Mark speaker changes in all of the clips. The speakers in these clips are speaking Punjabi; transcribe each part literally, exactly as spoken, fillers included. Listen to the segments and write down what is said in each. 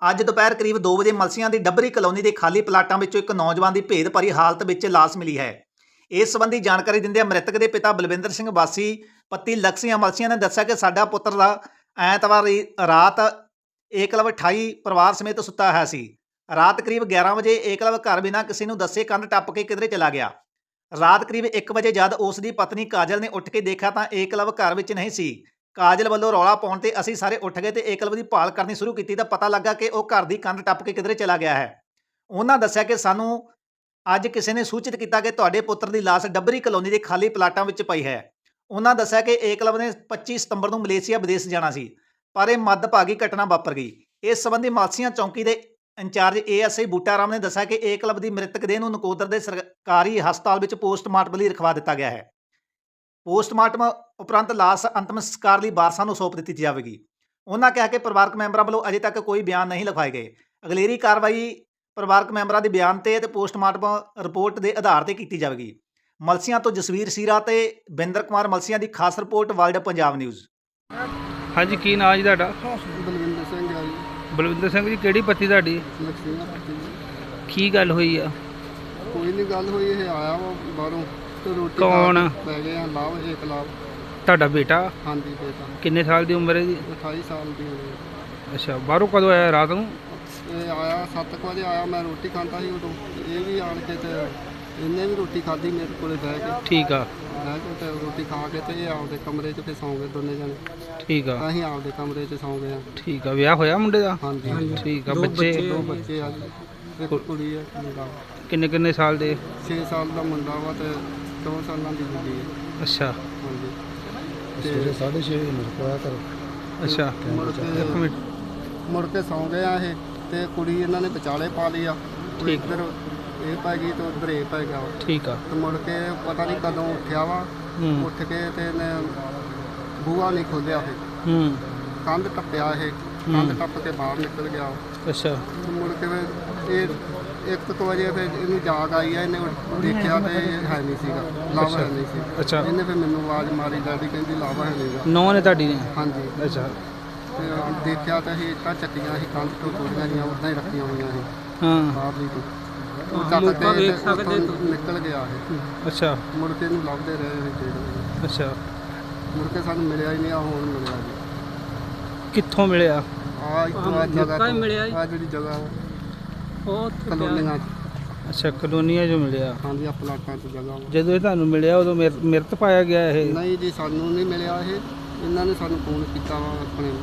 Speaker 1: ਅੱਜ ਦੁਪਹਿਰ ਕਰੀਬ ਦੋ ਵਜੇ ਮਲਸੀਆਂ ਦੀ ਡੱਬਰੀ ਕਲੋਨੀ ਦੇ ਖਾਲੀ ਪਲਾਟਾਂ ਵਿੱਚੋਂ ਇੱਕ ਨੌਜਵਾਨ ਦੀ ਭੇਦ ਭਰੀ ਹਾਲਤ ਵਿੱਚ ਲਾਸ਼ ਮਿਲੀ ਹੈ। ਇਸ ਸੰਬੰਧੀ ਜਾਣਕਾਰੀ ਦਿੰਦਿਆਂ ਮ੍ਰਿਤਕ ਦੇ ਪਿਤਾ ਬਲਵਿੰਦਰ ਸਿੰਘ ਵਾਸੀ ਪੱਤੀ ਲਕਸੀਆਂ ਮਲਸੀਆਂ ਨੇ ਦੱਸਿਆ ਕਿ ਸਾਡਾ ਪੁੱਤਰ ਦਾ ਐਤਵਾਰ ਰਾਤ ਏਕਲਵ ਅਠਾਈ ਪਰਿਵਾਰ ਸਮੇਤ ਸੁੱਤਾ ਹੋਇਆ ਸੀ। ਰਾਤ ਕਰੀਬ ਗਿਆਰਾਂ ਵਜੇ ਏਕਲਵ ਘਰ ਬਿਨਾਂ ਕਿਸੇ ਨੂੰ ਦੱਸੇ ਕੰਧ ਟੱਪ ਕੇ ਕਿਧਰੇ ਚਲਾ ਗਿਆ। ਰਾਤ ਕਰੀਬ ਇੱਕ ਵਜੇ ਜਦ ਉਸ ਦੀ ਪਤਨੀ ਕਾਜਲ ਨੇ ਉੱਠ ਕੇ ਦੇਖਿਆ ਤਾਂ ਏਕਲਵ ਘਰ ਵਿੱਚ ਨਹੀਂ ਸੀ। ਕਾਜਲ ਵੱਲੋਂ ਰੌਲਾ ਪਾਉਣ ਤੇ ਅਸੀਂ ਸਾਰੇ ਉੱਠ ਗਏ ਤੇ ਏਕਲਵ ਦੀ ਭਾਲ ਕਰਨੀ ਸ਼ੁਰੂ ਕੀਤੀ ਤਾਂ ਪਤਾ ਲੱਗਾ ਕਿ ਉਹ ਘਰ ਦੀ ਕੰਧ ਟੱਪ ਕੇ ਕਿਧਰੇ ਚਲਾ ਗਿਆ ਹੈ। ਉਹਨਾਂ ਦੱਸਿਆ ਕਿ ਸਾਨੂੰ ਅੱਜ ਕਿਸੇ ਨੇ ਸੂਚਿਤ ਕੀਤਾ ਕਿ ਤੁਹਾਡੇ ਪੁੱਤਰ ਦੀ ਲਾਸ਼ ਡੱਬਰੀ ਕਲੋਨੀ ਦੇ ਖਾਲੀ ਪਲਾਟਾਂ ਵਿੱਚ ਪਈ ਹੈ। ਉਹਨਾਂ ਦੱਸਿਆ ਕਿ ਏਕਲਵ ਨੇ ਪੱਚੀ ਸਤੰਬਰ ਨੂੰ ਮਲੇਸ਼ੀਆ ਵਿਦੇਸ਼ ਜਾਣਾ ਸੀ, ਪਰ ਇਹ ਮੱਦਭਾਗੀ ਘਟਨਾ ਵਾਪਰ ਗਈ। ਇਸ ਸੰਬੰਧੀ ਮਾਲਸੀਆਂ ਚੌਂਕੀ ਦੇ incharge A S I Buta Ram ਨੇ ਦੱਸਿਆ ਕਿ ਏਕਲਵ ਦੀ ਮ੍ਰਿਤਕ ਦੇਹ ਨੂੰ ਨਕੋਦਰ ਦੇ ਸਰਕਾਰੀ ਹਸਪਤਾਲ ਵਿੱਚ ਪੋਸਟਮਾਰਟਮ ਲਈ ਰਖਵਾ ਦਿੱਤਾ ਗਿਆ ਹੈ। ਪੋਸਟਮਾਰਟਮ ਉਪਰੰਤ ਲਾਸ਼ ਅੰਤਮ ਸੰਸਕਾਰ ਲਈ ਵਾਰਸਾਂ ਨੂੰ ਸੌਂਪ ਦਿੱਤੀ ਜਾਵੇਗੀ। ਉਹਨਾਂ ਕਿਹਾ ਕਿ ਪਰਿਵਾਰਕ ਮੈਂਬਰਾਂ ਵੱਲੋਂ ਅਜੇ ਤੱਕ ਕੋਈ ਬਿਆਨ ਨਹੀਂ ਲਿਖਵਾਏ ਗਏ। ਅਗਲੇਰੀ ਕਾਰਵਾਈ ਪਰਿਵਾਰਕ ਮੈਂਬਰਾਂ ਦੇ ਬਿਆਨ ਤੇ ਅਤੇ ਪੋਸਟਮਾਰਟਮ ਰਿਪੋਰਟ ਦੇ ਆਧਾਰ ਤੇ ਕੀਤੀ ਜਾਵੇਗੀ। ਮਲਸੀਆਂ ਤੋਂ ਜਸਵੀਰ ਸੀਰਾ ਤੇ ਬਿੰਦਰ ਕੁਮਾਰ ਮਲਸੀਆਂ ਦੀ ਖਾਸ ਰਿਪੋਰਟ ਵਰਲਡ ਪੰਜਾਬ ਨਿਊਜ਼।
Speaker 2: ਹਾਂਜੀ, ਕੀ ਨਾਂ ਜੀ ਤੁਹਾਡਾ?
Speaker 3: ਬਲਵਿੰਦਰ ਸਿੰਘ ਆ ਜੀ।
Speaker 2: ਬਲਵਿੰਦਰ ਸਿੰਘ ਜੀ, ਕਿਹੜੀ ਪੱਤੀ ਤੁਹਾਡੀ?
Speaker 3: ਲਕਸ਼ਮੀ ਪੱਤੀ ਜੀ।
Speaker 2: ਕੀ ਗੱਲ ਹੋਈ ਆ?
Speaker 3: ਕੋਈ ਨਹੀਂ ਗੱਲ ਹੋਈ, ਇਹ ਆਇਆ ਵਾ ਬਾਹਰੋਂ ਤੇ ਰੋਟੀ
Speaker 2: ਕੌਣ?
Speaker 3: ਪੈ ਗਏ ਆ ਲਾਭ ਇੱਕ ਲਾਭ।
Speaker 2: ਤੁਹਾਡਾ ਬੇਟਾ?
Speaker 3: ਹਾਂਜੀ ਬੇਟਾ।
Speaker 2: ਕਿੰਨੇ ਸਾਲ ਦੀ ਉਮਰ ਹੈ ਜੀ?
Speaker 3: ਅਠਾਈ ਸਾਲ ਦੀ ਹੋਈ।
Speaker 2: ਅੱਛਾ, ਬਾਹਰੋਂ ਕਦੋਂ ਆਇਆ? ਰਾਤ ਨੂੰ?
Speaker 3: ਇਹ ਆਇਆ ਸੱਤ ਕੁ ਵਜੇ ਆਇਆ, ਮੈਂ ਰੋਟੀ ਖਾਂਦਾ ਸੀ ਉਦੋਂ। ਇਹ ਵੀ ਆਣ ਕੇ ਤੇ ਇਹਨੇ ਵੀ ਰੋਟੀ ਖਾਧੀ ਮੇਰੇ ਕੋਲੇ ਬਹਿ ਕੇ।
Speaker 2: ਠੀਕ ਆ।
Speaker 3: ਬਹਿ ਕੇ ਤੇ ਰੋਟੀ ਖਾ ਕੇ ਤੇ ਇਹ ਆਪਦੇ ਕਮਰੇ 'ਚ ਫਿਰ ਸੌਂ ਗਏ ਦੋਨੇ ਜਣੇ।
Speaker 2: ਠੀਕ ਆ।
Speaker 3: ਅਸੀਂ ਆਪਦੇ ਕਮਰੇ 'ਚ ਸੌਂ ਗਏ ਆ।
Speaker 2: ਠੀਕ ਆ। ਵਿਆਹ ਹੋਇਆ ਮੁੰਡੇ ਦਾ?
Speaker 3: ਹਾਂਜੀ।
Speaker 2: ਠੀਕ ਆ। ਬੱਚੇ?
Speaker 3: ਦੋ ਬੱਚੇ ਆ ਜੀ, ਇੱਕ ਕੁੜੀ ਆ ਮੁੰਡਾ।
Speaker 2: ਕਿੰਨੇ ਕਿੰਨੇ ਸਾਲ ਦੇ?
Speaker 3: ਛੇ ਸਾਲ ਦਾ ਮੁੰਡਾ ਵਾ ਤੇ ਦੋ ਸਾਲਾਂ ਦੀ ਕੁੜੀ ਹੈ।
Speaker 2: ਅੱਛਾ।
Speaker 3: ਹਾਂਜੀ।
Speaker 4: ਸਵੇਰੇ ਸਾਢੇ ਛੇ ਵਜੇ ਮੇਰੇ ਕੋਲ ਆਇਆ ਕਰੋ।
Speaker 2: ਅੱਛਾ,
Speaker 3: ਮੁੜ
Speaker 2: ਇੱਕ
Speaker 3: ਕੇ
Speaker 2: ਮਿੰਟ।
Speaker 3: ਮੁੜ ਕੇ ਸੌਂ ਗਏ ਆ ਇਹ ਤੇ ਕੁੜੀ ਇਹਨਾਂ ਨੇ ਵਿਚਾਲੇ ਪਾ ਲਈ ਆ।
Speaker 2: ਠੀਕ।
Speaker 3: ਇੱਧਰ ਇਹ ਪੈ ਗਈ ਤੇ ਉੱਧਰ ਇਹ ਪੈ ਗਿਆ ਵਾ।
Speaker 2: ਠੀਕ ਆ।
Speaker 3: ਤੇ ਮੁੜ ਕੇ ਪਤਾ ਨਹੀਂ ਕਦੋਂ ਉੱਠਿਆ ਵਾ।
Speaker 2: ਹੂੰ
Speaker 3: ਉੱਠ ਕੇ ਤੇ ਇਹਨੇ ਬੂਹਾ ਨਹੀਂ ਖੋਲ੍ਹਿਆ, ਇਹ
Speaker 2: ਹੂੰ
Speaker 3: ਕੰਧ ਟੱਪਿਆ, ਇਹ ਕੰਧ ਟੱਪ ਕੇ ਬਾਹਰ ਨਿਕਲ ਗਿਆ।
Speaker 2: ਅੱਛਾ।
Speaker 3: ਤੇ ਮੁੜ ਕੇ ਫਿਰ ਇਹ ਇੱਕ ਕੁ ਵਜੇ ਫਿਰ ਇਹਨੂੰ ਜਾਗ ਆਈ ਆ। ਇਹਨੇ ਦੇਖਿਆ ਤੇ ਇਹ ਹੈ ਨਹੀਂ ਸੀਗਾ, ਲਾਵਾ ਹੈ ਨਹੀਂ ਸੀ।
Speaker 2: ਅੱਛਾ।
Speaker 3: ਇਹਨੇ ਫਿਰ ਮੈਨੂੰ ਆਵਾਜ਼ ਮਾਰੀ, ਡੈਡੀ ਕਹਿੰਦੀ ਲਾਵਾ ਹੈ ਨਹੀਂਗਾ।
Speaker 2: ਨੌਂ ਨੇ ਤੁਹਾਡੀ ਨੇ?
Speaker 3: ਹਾਂਜੀ।
Speaker 2: ਅੱਛਾ।
Speaker 3: ਤੇ ਦੇਖਿਆ ਤਾਂ ਇਹ ਇੱਟਾਂ ਚੱਟੀਆਂ ਸੀ, ਕੰਧ ਤੋਂ ਤੋੜੀਆਂ ਗਈਆਂ, ਉੱਦਾਂ ਹੀ ਰੱਖੀਆਂ ਹੋਈਆਂ ਸੀ
Speaker 2: ਹਾਂ।
Speaker 3: ਬਾਹਰਲੀ ਤੋਂ। ਉਹ ਚੱਕ ਕੇ ਤੇ ਉੱਥੋਂ ਨਿਕਲ ਗਿਆ ਇਹ।
Speaker 2: ਅੱਛਾ।
Speaker 3: ਮੁੜ ਕੇ ਇਹਨੂੰ ਲੱਭਦੇ ਰਹੇ ਅਸੀਂ ਡੇਢ ਵਜੇ।
Speaker 2: ਅੱਛਾ।
Speaker 3: ਮੁੜ ਕੇ ਸਾਨੂੰ ਮਿਲਿਆ ਹੀ ਨਹੀਂ। ਆ ਹੁਣ ਮਿਲਿਆ ਜੀ।
Speaker 2: ਕਿੱਥੋਂ ਮਿਲਿਆ?
Speaker 3: ਆ ਇੱਥੋਂ ਆ ਜਗ੍ਹਾ ਤੋਂ ਮਿਲਿਆ। ਆ ਜਿਹੜੀ ਜਗ੍ਹਾ
Speaker 2: ਉਹ
Speaker 3: ਕਲੋਨੀਆਂ 'ਚ।
Speaker 2: ਅੱਛਾ, ਕਲੋਨੀਆਂ 'ਚੋਂ ਮਿਲਿਆ।
Speaker 3: ਹਾਂਜੀ, ਆ ਪਲਾਟਾਂ 'ਚ ਜਗ੍ਹਾ ਵਾ।
Speaker 2: ਜਦੋਂ ਇਹ ਤੁਹਾਨੂੰ ਮਿਲਿਆ ਉਦੋਂ ਮਿਰ- ਮਿਰਤ ਪਾਇਆ ਗਿਆ ਇਹ?
Speaker 3: ਨਹੀਂ ਜੀ, ਸਾਨੂੰ ਨਹੀਂ ਮਿਲਿਆ ਇਹ। ਇਹਨਾਂ ਨੇ ਸਾਨੂੰ ਫੋਨ ਕੀਤਾ ਵਾ ਆਪਣੇ।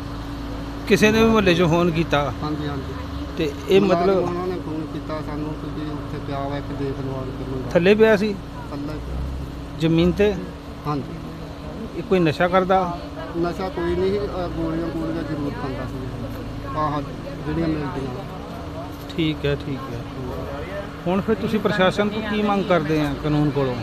Speaker 2: ਕਿਸੇ ਨੇ ਵੀ ਮੁਹੱਲੇ 'ਚੋਂ ਫੋਨ ਕੀਤਾ?
Speaker 3: ਹਾਂਜੀ ਹਾਂਜੀ।
Speaker 2: ਤੇ ਇਹ ਮਤਲਬ
Speaker 3: ਉਹਨਾਂ ਨੇ ਫੋਨ ਕੀਤਾ ਸਾਨੂੰ ਕਿ ਜੀ ਉੱਥੇ ਪਿਆ ਵਾ ਇੱਕ ਦੇਖ ਲਓ ਆਣ ਕੇ ਮੁੰਡਾ।
Speaker 2: ਥੱਲੇ ਪਿਆ ਸੀ
Speaker 3: ਥੱਲੇ ਪਿਆ।
Speaker 2: ਜ਼ਮੀਨ ਤੇ?
Speaker 3: ਹਾਂਜੀ।
Speaker 2: ਇਹ ਕੋਈ ਨਸ਼ਾ ਕਰਦਾ?
Speaker 3: ਨਸ਼ਾ ਕੋਈ ਨਹੀਂ ਸੀ, ਅਹ ਗੋਲੀਆਂ ਗੋਲੀਆਂ ਜ਼ਰੂਰ ਖਾਂਦਾ ਸੀ। ਆਹ ਜਿਹੜੀਆਂ ਮਿਲਦੀਆਂ।
Speaker 2: ਠੀਕ ਹੈ, ਠੀਕ ਹੈ। ਹੁਣ ਫਿਰ ਤੁਸੀਂ ਪ੍ਰਸ਼ਾਸਨ ਤੋਂ ਕੀ ਮੰਗ ਕਰਦੇ ਆ ਕਾਨੂੰਨ ਕੋਲੋਂ?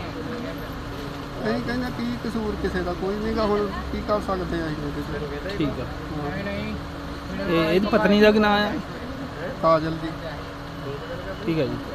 Speaker 3: ਅਸੀਂ ਕਹਿੰਦੇ ਕੀ ਕਸੂਰ ਕਿਸੇ ਦਾ ਕੋਈ ਨਹੀਂਗਾ, ਹੁਣ ਕੀ ਕਰ ਸਕਦੇ ਆ ਅਸੀਂ ਇਹਦੇ 'ਚ।
Speaker 2: ਠੀਕ ਆ।
Speaker 3: ਹਾਂ।
Speaker 2: ਇਹ ਇਹਦੀ ਪਤਨੀ ਦਾ ਕੀ ਨਾਂ ਹੈ?
Speaker 3: ਕਾਜਲ ਦੀ।
Speaker 2: ਠੀਕ ਹੈ ਜੀ।